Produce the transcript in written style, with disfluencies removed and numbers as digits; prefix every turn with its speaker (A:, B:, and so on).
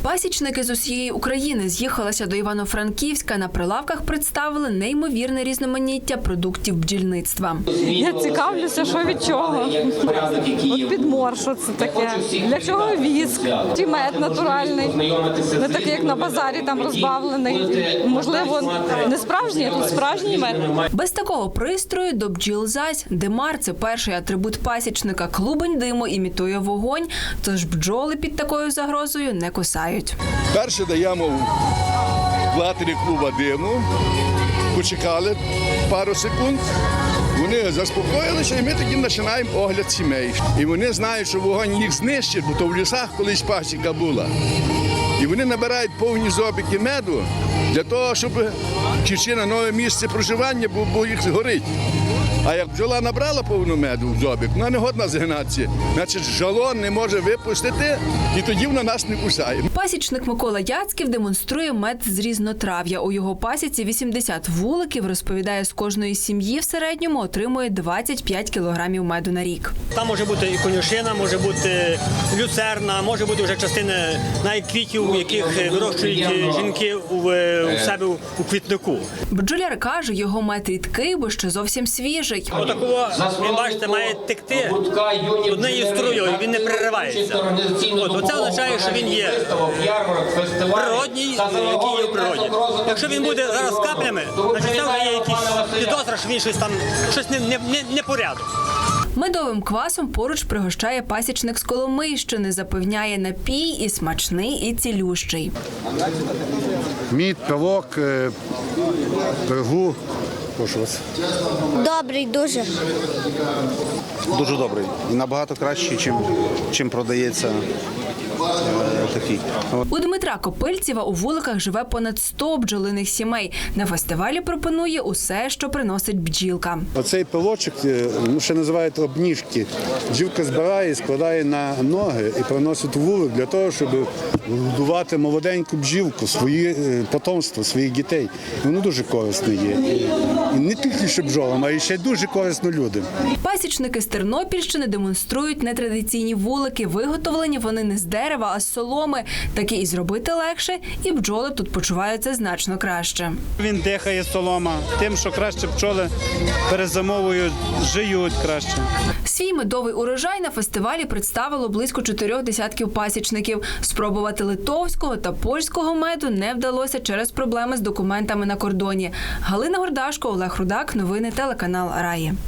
A: Пасічники з усієї України з'їхалися до Івано-Франківська. На прилавках представили неймовірне різноманіття продуктів бджільництва.
B: Я цікавлюся, що від чого. От підмор, що це таке, для чого віск, чи мед натуральний, не такий, як на базарі, там розбавлений. Можливо, не справжній, а тут справжній мед.
A: Без такого пристрою до бджіл зась. Димар – це перший атрибут пасічника. Клубень диму імітує вогонь, тож бджоли під такою загрозою не кусають.
C: Перше даємо в платері клуба диму, почекали пару секунд, вони заспокоїлися, і ми тоді починаємо огляд сімей. І вони знають, що вогонь їх знищить, бо то в лісах колись пасіка була. І вони набирають повні зобики меду для того, щоб чи на нове місце проживання, бо їх горить. А як бджола набрала повну меду в зобик, вона не годна згинатися. Значить, жалон не може випустити, і тоді вона нас не кусає.
A: Пасічник Микола Яцьків демонструє мед з різнотрав'я. У його пасіці 80 вуликів. Розповідає, з кожної сім'ї в середньому отримує 25 кілограмів меду на рік.
D: Там може бути і конюшина, може бути люцерна, може бути вже частина навіть квітів, яких вирощують жінки у себе у квітнику.
A: Бджоляр каже, його мед рідкий, бо ще зовсім свіжий.
D: Отакого, він, бачите, має текти однією струєю, він не переривається. Оце означає, що він є природній, який є в природі. Якщо він буде зараз каплями, значить це вже є якийсь підозра, що він щось непорядок.
A: Медовим квасом поруч пригощає пасічник з Коломийщини. Запевняє, напій і смачний, і цілющий.
E: Мід, пивок, пирогу. Прошу вас.
F: Добрий дуже.
E: Дуже добрий. І набагато кращий, чим продається такий.
A: У Дмитра Копильцєва у вуликах живе понад 100 бджолиних сімей. На фестивалі пропонує усе, що приносить бджілка.
E: Оцей пилочок, ще називають обніжки. Бджілка збирає, складає на ноги і приносить у вулик для того, щоб годувати молоденьку бджілку, своє потомство, своїх дітей. Воно дуже корисно є. І не тільки що бджолам, а й ще дуже корисно людям.
A: Пасічники з Тернопільщини демонструють нетрадиційні вулики. Виготовлені вони не з дерева, а з соломи. Таке і зробити легше, і бджоли тут почуваються значно краще.
G: Він дихає солома, тим, що краще пчоли перезимовують, жиють краще.
A: Свій медовий урожай на фестивалі представило близько 4 десятків пасічників. Спробувати литовського та польського меду не вдалося через проблеми з документами на кордоні. Галина Гордашко, Олег Рудак. Новини телеканал Раї.